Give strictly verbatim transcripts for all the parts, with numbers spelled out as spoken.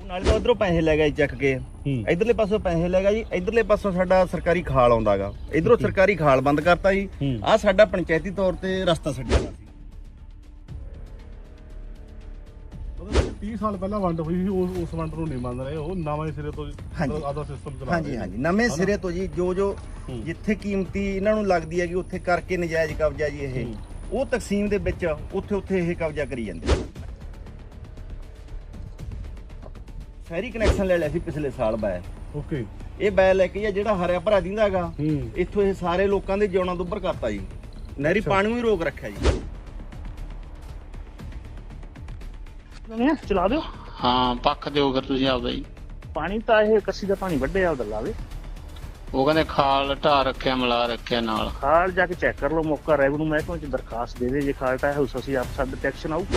ਨਾਲੇ ਤਾਂ ਉਧਰੋਂ ਪੈਸੇ ਲੈ ਗਿਆ ਜੀ ਚੱਕ ਕੇ, ਇਧਰਲੇ ਪਾਸੋਂ ਪੈਸੇ ਲੈ ਗਿਆ ਜੀ, ਇਧਰਲੇ ਪਾਸੋਂ ਸਾਡਾ ਸਰਕਾਰੀ ਖਾਲ ਆਉਂਦਾਗਾ, ਇਧਰੋਂ ਸਰਕਾਰੀ ਖਾਲ ਬੰਦ ਕਰਤਾ ਜੀ। ਆਹ ਸਾਡਾ ਪੰਚਾਇਤੀ ਤੌਰ ਤੇ ਰਸਤਾ ਛੱਡਿਆ ਸੀ। तीस साल पहला वंड हुई थी, उस उस वंड ਨੂੰ ਨਹੀਂ ਮੰਨ ਰਹੇ ਉਹ ਨਵੇਂ ਸਿਰੇ ਤੋਂ ਆਦਾ ਸਿਸਟਮ ਚਲਾ ਰਹੇ। ਹਾਂਜੀ ਹਾਂਜੀ ਨਵੇਂ ਸਿਰੇ ਤੋਂ ਜੀ, ਜੋ ਜੋ ਜਿੱਥੇ ਕੀਮਤੀ ਇਹਨਾਂ ਨੂੰ ਲੱਗਦੀ ਹੈ ਕਿ ਉੱਥੇ ਕਰਕੇ ਨਜਾਇਜ਼ ਕਬਜ਼ਾ ਜੀ ਇਹ ਉਹ ਤਕਸੀਮ ਦੇ ਵਿੱਚ ਉੱਥੇ ਉੱਥੇ ਇਹ ਕਬਜ਼ਾ ਕਰੀ ਜਾਂਦੇ। ਸ਼ਹਿਰੀ ਕਨੈਕਸ਼ਨ ਲੈ ਲਿਆ ਸੀ ਪਿਛਲੇ ਸਾਲ ਬੈ। ਓਕੇ, ਇਹ ਬੈ ਲੈ ਕੇ ਜਿਹੜਾ ਹਰਿਆ ਭਰਾ ਦਿੰਦਾਗਾ ਇੱਥੋਂ ਇਹ ਸਾਰੇ ਲੋਕਾਂ ਦੇ ਜਿਉਣਾ ਦੁੱਭਰ ਕਰਤਾ ਜੀ, ਨਹਿਰੀ ਪਾਣੀ ਨੂੰ ਵੀ ਰੋਕ ਰੱਖਿਆ ਜੀ। ਚਲਾ ਦਿਓ। ਹਾਂ ਪੱਖ ਦਿਓ ਫਿਰ ਤੁਸੀਂ ਆਪਦਾ ਜੀ। ਪਾਣੀ ਤਾਂ ਇਹ ਕੱਸੀ ਦਾ ਪਾਣੀ ਵੱਡੇ ਆਪਦਾ ਲਾਵੇ। ਉਹ ਕਹਿੰਦੇ ਖਾਲ ਢਾ ਰੱਖਿਆ ਮਿਲਾ ਰੱਖਿਆ ਨਾਲ। ਖਾਲ ਜਾ ਕੇ ਚੈੱਕ ਕਰ ਲਓ, ਮੌਕਾ ਰੈਵਨਿਊ ਮਹਿਕਮੇ ਚ ਦਰਖਾਸਤ ਦੇ ਦੇ, ਜੇ ਖਾਲ ਢਾਇਆ ਉਸ ਅਸੀਂ ਆਪ ਸਾਡੇ ਤੇ ਐਕਸ਼ਨ ਆਊ।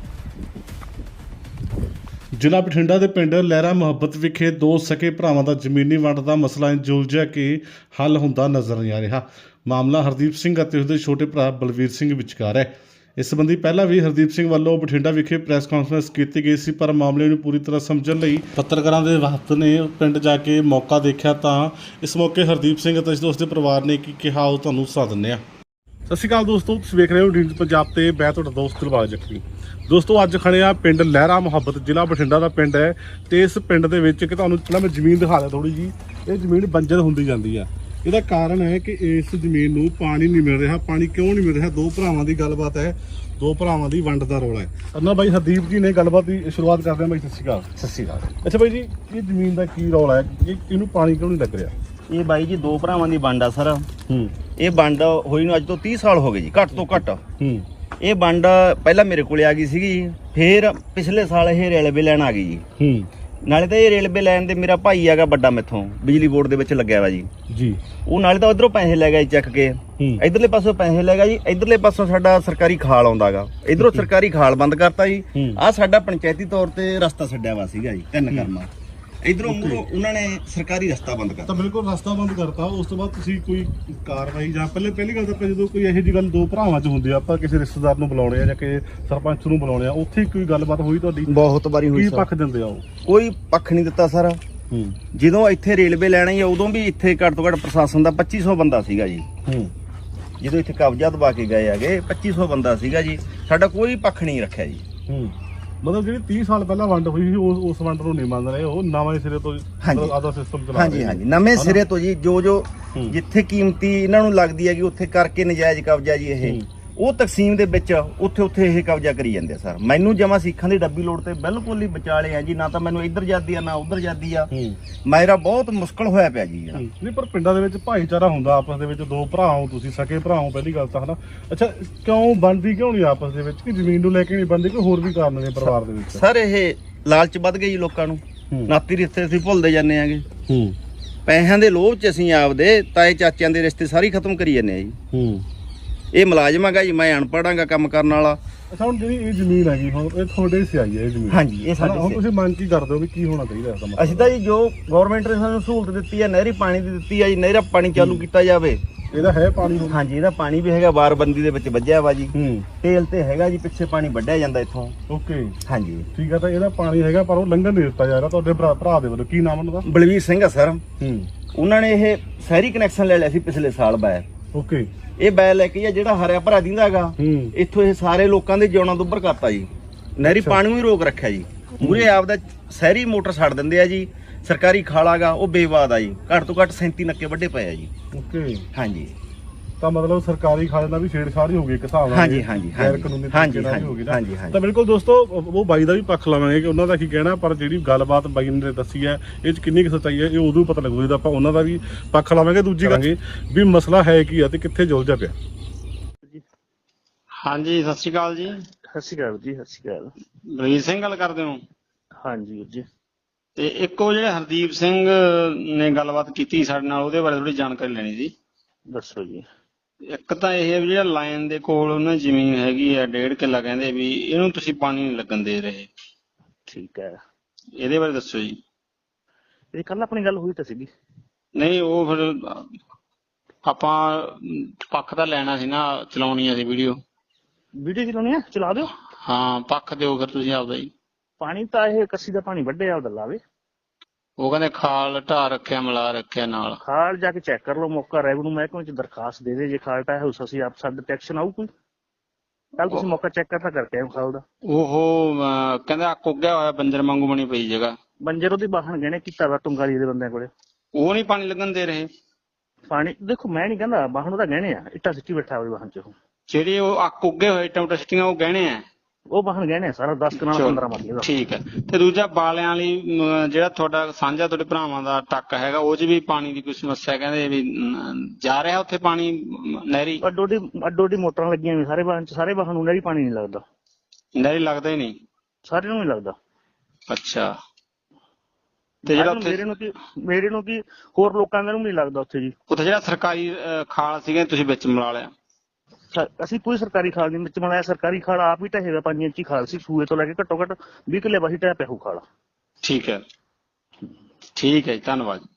ਜ਼ਿਲ੍ਹਾ ਬਠਿੰਡਾ ਦੇ ਪਿੰਡ ਲਹਿਰਾ ਮੁਹੱਬਤ ਵਿਖੇ ਦੋ ਸਕੇ ਭਰਾਵਾਂ ਦਾ ਜ਼ਮੀਨੀ ਵੰਡ ਦਾ ਮਸਲਾ ਇੰਜੁਲਝਿਆ ਕਿ ਹੱਲ ਹੁੰਦਾ ਨਜ਼ਰ ਨਹੀਂ ਆ ਰਿਹਾ। ਮਾਮਲਾ ਹਰਦੀਪ ਸਿੰਘ ਅਤੇ ਉਸਦੇ ਛੋਟੇ ਭਰਾ ਬਲਵੀਰ ਸਿੰਘ ਵਿਚਕਾਰ ਹੈ। ਇਸ ਸੰਬੰਧੀ ਪਹਿਲਾਂ ਵੀ ਹਰਦੀਪ ਸਿੰਘ ਵੱਲੋਂ ਬਠਿੰਡਾ ਵਿਖੇ ਪ੍ਰੈਸ ਕਾਨਫਰੰਸ ਕੀਤੀ ਗਈ ਸੀ, ਪਰ ਮਾਮਲੇ ਨੂੰ ਪੂਰੀ ਤਰ੍ਹਾਂ ਸਮਝਣ ਲਈ ਪੱਤਰਕਾਰਾਂ ਦੇ ਵਕਤ ਨੇ ਪਿੰਡ ਜਾ ਕੇ ਮੌਕਾ ਦੇਖਿਆ ਤਾਂ ਇਸ ਮੌਕੇ ਹਰਦੀਪ ਸਿੰਘ ਅਤੇ ਉਸਦੇ ਪਰਿਵਾਰ ਨੇ ਕੀ ਕਿਹਾ ਉਹ ਤੁਹਾਨੂੰ ਸੁਣਾ ਦਿੰਦੇ ਹਾਂ। ਸਤਿ ਸ਼੍ਰੀ ਅਕਾਲ ਦੋਸਤੋ, ਤੁਸੀਂ ਵੇਖ ਰਹੇ ਹੋ ਡੀਨ ਪੰਜਾਬ ਤੇ ਮੈਂ ਤੁਹਾਡਾ ਦੋਸਤ ਦਿਲਬਾਗ ਜੱਖੀ। ਦੋਸਤੋ ਅੱਜ ਖੜੇ ਆ ਪਿੰਡ ਲਹਿਰਾ ਮੁਹੱਬਤ, ਜ਼ਿਲ੍ਹਾ ਬਠਿੰਡਾ ਦਾ ਪਿੰਡ ਹੈ ਤੇ ਇਸ ਪਿੰਡ ਦੇ ਵਿੱਚ ਕਿ ਤੁਹਾਨੂੰ ਪਹਿਲਾਂ ਮੈਂ ਜ਼ਮੀਨ ਦਿਖਾ ਦਿਆਂ ਥੋੜੀ ਜੀ। ਇਹ ਜ਼ਮੀਨ ਬੰਜਰ ਹੁੰਦੀ ਜਾਂਦੀ ਆ। ਇਹਦਾ ਕਾਰਨ ਹੈ ਕਿ ਇਸ ਜ਼ਮੀਨ ਨੂੰ ਪਾਣੀ ਨਹੀਂ ਮਿਲ ਰਿਹਾ। ਪਾਣੀ ਕਿਉਂ ਨਹੀਂ ਮਿਲ ਰਿਹਾ? ਦੋ ਭਰਾਵਾਂ ਦੀ ਗੱਲਬਾਤ ਹੈ, ਦੋ ਭਰਾਵਾਂ ਦੀ ਵੰਡ ਦਾ ਰੌਲਾ ਹੈ। ਅੰਨਾ ਬਾਈ ਹਰਦੀਪ ਜੀ ਨੇ ਗੱਲਬਾਤ ਦੀ ਸ਼ੁਰੂਆਤ ਕਰਦੇ ਹਾਂ। ਬਾਈ ਸਤਿ ਸ਼੍ਰੀ ਅਕਾਲ। ਸਤਿ ਸ਼੍ਰੀ ਅਕਾਲ। ਅੱਛਾ ਬਾਈ ਜੀ, ਇਹ ਜ਼ਮੀਨ ਦਾ ਕੀ ਰੌਲਾ ਹੈ? ਇਹ ਇਹਨੂੰ ਪਾਣੀ ਕਿਉਂ ਨਹੀਂ ਲੱਗ ਰਿਹਾ? ਇਹ ਬਾਈ ਜੀ ਦੋ ਭਰਾਵਾਂ ਦੀ ਵੰਡ ਆ ਸਰ। ਹੂੰ, ਇਹ ਵੰਡ ਹੋਈ ਨੂੰ ਅੱਜ ਤੋਂ ਤੀਹ ਸਾਲ ਹੋ ਗਏ ਜੀ, ਘੱਟ ਤੋਂ ਘੱਟ। ਹੂੰ, ਇਹ ਵੰਡ ਪਹਿਲਾਂ ਮੇਰੇ ਕੋਲੇ ਆ ਗਈ ਸੀਗੀ, ਫਿਰ ਪਿਛਲੇ ਸਾਲ ਇਹ ਰੇਲਵੇ ਲੈਣ ਆ ਗਈ ਜੀ। ਹੂੰ, ਨਾਲੇ ਤਾਂ ਇਹ ਰੇਲਵੇ ਲਾਈਨ ਦੇ ਮੇਰਾ ਭਾਈ ਹੈਗਾ ਵੱਡਾ, ਮੈਥੋਂ ਬਿਜਲੀ ਬੋਰਡ ਦੇ ਵਿੱਚ ਲੱਗਿਆ ਵਾ ਜੀ ਜੀ। ਉਹ ਨਾਲੇ ਤਾਂ ਉਧਰੋਂ ਪੈਸੇ ਲੈ ਗਿਆ ਜੀ ਚੱਕ ਕੇ, ਇਧਰਲੇ ਪਾਸੋਂ ਪੈਸੇ ਲੈ ਗਿਆ ਜੀ, ਇਧਰਲੇ ਪਾਸੋਂ ਸਾਡਾ ਸਰਕਾਰੀ ਖਾਲ ਆਉਂਦਾਗਾ, ਇਧਰੋਂ ਸਰਕਾਰੀ ਖਾਲ ਬੰਦ ਕਰਤਾ ਜੀ। ਆਹ ਸਾਡਾ ਪੰਚਾਇਤੀ ਤੌਰ ਤੇ ਰਸਤਾ ਛੱਡਿਆ ਵਾ ਸੀਗਾ ਜੀ, ਤਿੰਨ ਕਰਮਾ। ਇਧਰੋਂ ਮੂਹਰੋਂ ਉਹਨਾਂ ਨੇ ਸਰਕਾਰੀ ਰਸਤਾ ਬੰਦ ਕਰਤਾ। ਤਾਂ ਬਿਲਕੁਲ ਰਸਤਾ ਬੰਦ ਕਰਤਾ। ਉਸ ਤੋਂ ਬਾਅਦ ਤੁਸੀਂ ਕੋਈ ਕਾਰਵਾਈ ਜਾਂ ਪਹਿਲੇ ਪਹਿਲੀ ਗੱਲ ਤਾਂ ਜਦੋਂ ਕੋਈ ਇਹੋ ਜਿਹੀ ਗੱਲ ਦੋ ਭਰਾਵਾਂ 'ਚ ਹੁੰਦੀ ਆ, ਆਪਾਂ ਕਿਸੇ ਰਿਸ਼ਤੇਦਾਰ ਨੂੰ ਬੁਲਾਉਣੇ ਆ ਜਾਂ ਕਿਸੇ ਸਰਪੰਚ ਨੂੰ ਬੁਲਾਉਣੇ ਆ, ਉੱਥੇ ਕੋਈ ਗੱਲਬਾਤ ਹੋਈ ਤੁਹਾਡੀ? ਬਹੁਤ ਵਾਰੀ ਹੋਈ ਕੀ ਸਰ। ਪੱਖ ਦਿੰਦੇ ਆ ਉਹ? ਕੋਈ ਪੱਖ ਨਹੀਂ ਦਿੱਤਾ ਸਰ। ਹੂੰ, ਜਦੋਂ ਇੱਥੇ ਰੇਲਵੇ ਲੈਣਾ ਹੀ ਉਦੋਂ ਵੀ ਇੱਥੇ ਘੱਟ ਤੋਂ ਘੱਟ ਪ੍ਰਸ਼ਾਸਨ ਦਾ ਪੱਚੀ ਸੌ ਬੰਦਾ ਸੀਗਾ ਜੀ। ਹੂੰ, ਜਦੋਂ ਇੱਥੇ ਕਬਜ਼ਾ ਦਬਾ ਕੇ ਗਏ ਹੈਗੇ ਪੱਚੀ ਸੌ ਬੰਦਾ ਸੀਗਾ ਜੀ, ਸਾਡਾ ਕੋਈ ਪੱਖ ਨਹੀਂ ਰੱਖਿਆ ਜੀ। ਹੂੰ, ਮਤਲਬ ਜਿਹੜੀ ਤੀਹ ਸਾਲ ਪਹਿਲਾਂ ਵੰਡ ਹੋਈ ਸੀ ਉਸ ਉਸ ਵੰਡ ਨੂੰ ਨਹੀਂ ਮੰਨ ਰਹੇ ਉਹ ਨਵੇਂ ਸਿਰੇ ਤੋਂ ਆਦਾ ਸਿਸਟਮ ਚਲਾ ਰਹੇ। ਹਾਂਜੀ ਹਾਂਜੀ ਨਵੇਂ ਸਿਰੇ ਤੋਂ ਜੀ, ਜੋ ਜੋ ਜਿੱਥੇ ਕੀਮਤੀ ਇਹਨਾਂ ਨੂੰ ਲੱਗਦੀ ਹੈ ਕਿ ਉੱਥੇ ਕਰਕੇ ਨਜਾਇਜ਼ ਕਬਜ਼ਾ ਜੀ ਇਹ ਉਹ ਤਕਸੀਮ ਦੇ ਵਿੱਚ ਉੱਥੇ ਉੱਥੇ ਇਹ ਕਬਜ਼ਾ ਕਰੀ ਜਾਂਦੇ ਆ ਸਰ। ਮੈਨੂੰ ਜਮਾ ਸਿੱਖਾਂ ਦੀ ਡੱਬੀ ਲੋੜ ਤੇ ਬਿਲਕੁਲ ਹੀ ਵਿਚਾਲੇ ਆ ਜੀ, ਨਾ ਤਾਂ ਮੈਨੂੰ ਇੱਧਰ ਜਾਂਦੀ ਆ ਨਾ ਉੱਧਰ ਜਾਂਦੀ ਆ। ਮੇਰਾ ਬਹੁਤ ਮੁਸ਼ਕਲ ਹੋਇਆ ਪਿਆ ਜੀ। ਨਹੀਂ ਪਰ ਪਿੰਡਾਂ ਦੇ ਵਿੱਚ ਭਾਈਚਾਰਾ ਹੁੰਦਾ ਆਪਸ ਦੇ ਵਿੱਚ, ਦੋ ਭਰਾ ਹੋ ਤੁਸੀਂ, ਸਕੇ ਭਰਾ ਹੋ ਪਹਿਲੀ ਗੱਲ ਤਾਂ, ਹਨਾ। ਅੱਛਾ, ਕਿਉਂ ਬਣਦੀ ਕਿਉਂ ਨਹੀਂ ਆਪਸ ਦੇ ਵਿੱਚ? ਕਿ ਜ਼ਮੀਨ ਨੂੰ ਲੈ ਕੇ ਨਹੀਂ ਬਣਦੀ, ਕੋਈ ਹੋਰ ਵੀ ਕਾਰਨ ਨੇ ਪਰਿਵਾਰ ਦੇ ਵਿੱਚ? ਸਰ ਇਹ ਲਾਲਚ ਵੱਧ ਗਈ ਜੀ ਲੋਕਾਂ ਨੂੰ, ਨਾਤੀ ਰਿਸ਼ਤੇ ਅਸੀਂ ਭੁੱਲਦੇ ਜਾਂਦੇ ਆਂਗੇ। ਹੂੰ, ਪੈਸਿਆਂ ਦੇ ਲੋਭ 'ਚ ਅਸੀਂ ਆਪਦੇ ਤਾਏ ਚਾਚਿਆਂ ਦੇ ਰਿਸ਼ਤੇ ਸਾਰੇ ਖਤਮ ਕਰੀ ਜਾਂਦੇ ਆ ਜੀ। ਹੂੰ, ਇਹ ਮੁਲਾਜ਼ਮ ਹੈਗਾ ਜੀ, ਮੈਂ ਅਨਪੜ੍ਹਾਂਗਾ ਕੰਮ ਕਰਨ ਵਾਲਾ। ਅੱਛਾ, ਹੁਣ ਜਿਹੜੀ ਇਹ ਜ਼ਮੀਨ ਹੈਗੀ ਹੁਣ ਇਹ ਤੁਹਾਡੇ ਸੇ ਆਈ ਹੈ ਇਹ ਜ਼ਮੀਨ? ਹਾਂਜੀ, ਇਹ ਹੁਣ ਸਾਡੇ ਤੁਸੀਂ ਮੰਨ ਕੀ ਕਰਦੇ ਹੋ ਵੀ ਕੀ ਹੋਣਾ ਚਾਹੀਦਾ ਇਸ ਦਾ ਮਤਲਬ? ਅਸੀਂ ਤਾਂ ਜੀ ਜੋ ਗਵਰਨਮੈਂਟ ਨੇ ਸਾਨੂੰ ਸਹੂਲਤ ਦਿੱਤੀ ਹੈ, ਨਹਿਰੀ ਪਾਣੀ ਦੀ ਦਿੱਤੀ ਹੈ ਜੀ, ਨਹਿਰਾ ਪਾਣੀ ਚਾਲੂ ਕੀਤਾ ਜਾਵੇ। ਇਹਦਾ ਹੈ ਪਾਣੀ? ਹਾਂਜੀ, ਇਹਦਾ ਪਾਣੀ ਵੀ ਹੈਗਾ, ਬਾਰਬੰਦੀ ਦੇ ਵਿੱਚ ਵੱਜਿਆ ਵਾ ਜੀ। ਹੂੰ, ਤੇਲ ਤੇ ਹੈਗਾ ਜੀ, ਪਿੱਛੇ ਪਾਣੀ ਵੱਢਿਆ ਜਾਂਦਾ ਇੱਥੋਂ। ਓਕੇ, ਹਾਂਜੀ ਠੀਕ ਹੈ। ਤਾਂ ਇਹਦਾ ਪਾਣੀ ਹੈਗਾ ਪਰ ਉਹ ਲੰਘਣ ਨਹੀਂ ਦਿੱਤਾ ਜਾ ਰਿਹਾ ਤੁਹਾਡੇ ਭਰਾ ਭਰਾ ਦੇ ਵੱਲੋਂ। ਕੀ ਨਾਮ ਉਹਨਾਂ ਦਾ? ਬਲਵੀਰ ਸਿੰਘ ਆ ਸਰ। ਹੂੰ, ਉਹਨਾਂ ਨੇ ਇਹ ਸ਼ਹਿਰੀ ਕਨੈਕਸ਼ਨ ਲੈ ਲਿਆ ਸੀ ਪਿਛਲੇ ਸਾਲ ਬੈ। ਓਕੇ, ਇਹ ਬੈ ਲੈ ਕੇ ਜਿਹੜਾ ਹਰਿਆ ਭਰਾ ਦਿੰਦਾਗਾ ਹੂੰ, ਇੱਥੋਂ ਇਹ ਸਾਰੇ ਲੋਕਾਂ ਦੇ ਜਿਉਣਾ ਦੁੱਭਰ ਕਰਤਾ ਜੀ, ਨਹਿਰੀ ਪਾਣੀ ਨੂੰ ਵੀ ਰੋਕ ਰੱਖਿਆ ਜੀ। ਮੂਰੇ ਆਪਦਾ ਸ਼ਹਿਰੀ ਮੋਟਰ ਛੱਡ ਦਿੰਦੇ ਆ ਜੀ, ਸਰਕਾਰੀ ਖਾਲਾਗਾ ਉਹ ਬੇਵਾਦ ਆ ਜੀ, ਘੱਟ ਤੋਂ ਘੱਟ ਸੈਂਤੀ ਨੱਕੇ ਵੱਡੇ ਪਏ ਆ ਜੀ। ਓਕੇ, ਹਾਂਜੀ, ਤਾਂ ਮਤਲਬ ਸਰਕਾਰੀ ਖਾਲੇ ਨਾਲ ਵੀ ਛੇੜਛਾੜ ਹੀ ਹੋ ਗਈ ਇੱਕ ਹਿਸਾਬ ਨਾਲ। ਹਾਂਜੀ ਹਾਂਜੀ ਗੈਰ ਕਾਨੂੰਨੀ ਹਾਂਜੀ ਤਰੀਕੇ ਨਾਲ ਵੀ ਹੋ ਗਈ ਨਾ। ਹਾਂਜੀ ਹਾਂਜੀ ਤਾਂ ਬਿਲਕੁਲ ਦੋਸਤੋ, ਉਹ ਬਾਈ ਦਾ ਵੀ ਪੱਖ ਲਵਾਂਗੇ ਕਿ ਉਹਨਾਂ ਦਾ ਕੀ ਕਹਿਣਾ, ਪਰ ਜਿਹੜੀ ਗੱਲਬਾਤ ਬਾਈ ਨੇ ਦੱਸੀ ਹੈ ਇਹ 'ਚ ਕਿੰਨੀ ਕੁ ਸੱਚਾਈ ਹੈ ਇਹ ਉਦੋਂ ਪਤਾ ਲੱਗੂ ਜਦੋਂ ਆਪਾਂ ਉਹਨਾਂ ਦਾ ਵੀ ਪੱਖ ਲਾਵਾਂਗੇ। ਦੂਜੀ ਗੱਲ ਵੀ ਮਸਲਾ ਹੈ ਕੀ ਆ ਤੇ ਕਿੱਥੇ ਜੁਲਝਿਆ ਪਿਆ। ਹਾਂਜੀ ਸਤਿ ਸ਼੍ਰੀ ਅਕਾਲ ਜੀ। ਸਤਿ ਸ਼੍ਰੀ ਅਕਾਲ ਜੀ। ਸਤਿ ਸ਼੍ਰੀ ਅਕਾਲ। ਬਲਵੀਰ ਸਿੰਘ ਗੱਲ ਕਰਦੇ ਹੋ? ਹਾਂਜੀ ਵੀਰ ਜੀ। ਤੇ ਇੱਕ ਉਹ ਜਿਹੜੇ ਹਰਦੀਪ ਸਿੰਘ ਨੇ ਗੱਲਬਾਤ ਕੀਤੀ ਸਾਡੇ ਨਾਲ, ਉਹਦੇ ਬਾਰੇ ਥੋੜੀ ਜਾਣਕਾਰੀ ਲੈਣੀ ਸੀ। ਦੱਸੋ ਜੀ। ਇੱਕ ਤਾਂ ਇਹ ਹੈ ਵੀ ਜਿਹੜਾ ਲਾਈਨ ਦੇ ਕੋਲ ਉਹਨਾਂ ਜ਼ਮੀਨ ਹੈਗੀ ਆ ਡੇਢ ਕਿੱਲਾ, ਕਹਿੰਦੇ ਵੀ ਇਹਨੂੰ ਤੁਸੀਂ ਪਾਣੀ ਨਹੀਂ ਲੱਗਣ ਦੇ ਰਹੇ। ਠੀਕ ਹੈ, ਇਹਦੇ ਬਾਰੇ ਦੱਸੋ ਜੀ। ਇਹ ਕੱਲ ਆਪਣੀ ਗੱਲ ਹੋਈ ਤਾਂ ਸੀਗੀ। ਨਹੀਂ ਉਹ ਫਿਰ ਆਪਾਂ ਪੱਖ ਤਾਂ ਲੈਣਾ ਸੀ ਨਾ, ਚਲਾਉਣੀ ਸੀ ਵੀਡੀਓ। ਵੀਡੀਓ ਚਲਾਉਣੀ ਆ? ਚਲਾ ਦਿਓ। ਹਾਂ ਪੱਖ ਦਿਓ ਫਿਰ ਤੁਸੀਂ ਆਪਦਾ ਜੀ। ਪਾਣੀ ਤਾਂ ਇਹ ਕੱਸੀ ਦਾ ਪਾਣੀ ਵੱਢਿਆ ਉਹਦਾ ਲਾਵੇ। ਉਹ ਕਹਿੰਦੇ ਖਾਲ ਢਾਹ ਰੱਖਿਆ ਮਿਲਾ ਰੱਖਿਆ ਨਾਲ। ਖਾਲ ਜਾ ਕੇ ਚੈੱਕ ਕਰ ਲਓ, ਮੌਕਾ ਰੈਵਨਿਊ ਮਹਿਕਮੇ ਚ ਦਰਖਾਸਤ ਦੇ ਦੇ, ਜੇ ਖਾਲ ਢਾਇਆ ਹੋਊ ਅਸੀਂ ਆਪ ਸਾਡੇ ਤੇ ਐਕਸ਼ਨ ਆਊ ਕੋਈ। ਕੱਲ ਤੁਸੀਂ ਮੌਕਾ ਚੈੱਕ ਕਰਤਾ ਕਰਕੇ ਆਏ ਖਾਲ ਦਾ। ਉਹ ਅਹ, ਕਹਿੰਦਾ ਅੱਕ ਉੱਗਿਆ ਹੋਇਆ ਬੰਜਰ ਵਾਂਗੂ ਬਣੀ ਪਈ ਜਗ੍ਹਾ। ਬੰਜਰ ਉਹਦੀ ਬਾਹਣ ਗਹਿਣੇ ਕੀਤਾ ਵਾ ਟੁੰਗਾਲੀ ਦੇ ਬੰਦਿਆਂ ਕੋਲੇ। ਉਹ ਨਹੀਂ ਪਾਣੀ ਲੱਗਣ ਦੇ ਰਹੇ। ਪਾਣੀ ਦੇਖੋ ਮੈਂ ਨਹੀਂ ਕਹਿੰਦਾ, ਬਾਹਣ ਉਹਦਾ ਗਹਿਣੇ ਆ, ਇੱਟਾਂ ਸਿੱਟੀ ਬੈਠਾ ਉਹਦੇ ਬਾਹਣ ਚ ਉਹ। ਜਿਹੜੇ ਉਹ ਅੱਕ ਉੱਗੇ ਹੋਏ ਟਮਟਰ ਸਿੱਟੀਆਂ ਉਹ ਗਹਿਣੇ ਆ। ਉਹ ਬਾਹਣ ਗਹਿਣੇ ਆ ਸਾਰਾ ਦਸ ਕਨਾਲ ਚਲੋ, ਪੰਦਰਾਂ ਮਰਲੇ ਦਾ। ਠੀਕ ਹੈ। ਤੇ ਦੂਜਾ ਬਾਲਿਆਂ ਵਾਲੀ ਅਮ, ਜਿਹੜਾ ਤੁਹਾਡਾ ਸਾਂਝਾ ਤੁਹਾਡੇ ਭਰਾਵਾਂ ਦਾ ਟੱਕ ਹੈਗਾ ਉਹ 'ਚ ਵੀ ਪਾਣੀ ਦੀ ਕੋਈ ਸਮੱਸਿਆ ਕਹਿੰਦੇ ਵੀ ਅਮ, ਜਾ ਰਿਹਾ ਉੱਥੇ ਪਾਣੀ ਅਮ, ਨਹਿਰੀ ਅੱਡੋ ਅੱਡੀ ਅੱਡੋ ਅੱਡੀ ਮੋਟਰਾਂ ਲੱਗੀਆਂ ਵੀ ਸਾਰੇ ਬਾਹਣ ਚ, ਸਾਰੇ ਬਾਹਣ ਨੂੰ ਨਹਿਰੀ ਪਾਣੀ ਨਹੀਂ ਲੱਗਦਾ, ਨਹਿਰੀ ਲੱਗਦਾ ਹੀ ਨਹੀਂ। ਸਾਰਿਆਂ ਨੂੰ ਨਹੀਂ ਲੱਗਦਾ। ਅੱਛਾ। ਤੇ ਜਿਹੜਾ ਮੇਰੇ ਉੱਥੇ ਨੂੰ ਕੀ ਮੇਰੇ ਨੂੰ ਕੀ ਹੋਰ ਲੋਕਾਂ ਨੂੰ ਨਹੀਂ ਲੱਗਦਾ ਉੱਥੇ ਜੀ। ਉੱਥੇ ਜਿਹੜਾ ਸਰਕਾਰੀ ਅਹ, ਖਾਲ ਸੀਗਾ ਤੁਸੀਂ ਵਿੱਚ ਮਿਲਾ ਲਿਆ। ਸਰ, ਅਸੀਂ ਕੋਈ ਸਰਕਾਰੀ ਖਾਲ ਨਹੀਂ ਵਿੱਚ ਬਣਾਇਆ। ਸਰਕਾਰੀ ਖਾਲ ਆਪ ਹੀ ਢਹੇਗਾ, ਪੰਜ ਇੰਚੀ ਖਾਲ ਸੀ, ਸੂਏ ਤੋਂ ਲੈ ਕੇ ਘੱਟੋ ਘੱਟ ਵੀਹ ਕਿੱਲੇ ਵਾਹੀ ਢਹਿ ਪਿਆ ਹੋਊ ਖਾਲ। ਠੀਕ ਹੈ, ਠੀਕ ਹੈ ਜੀ, ਧੰਨਵਾਦ।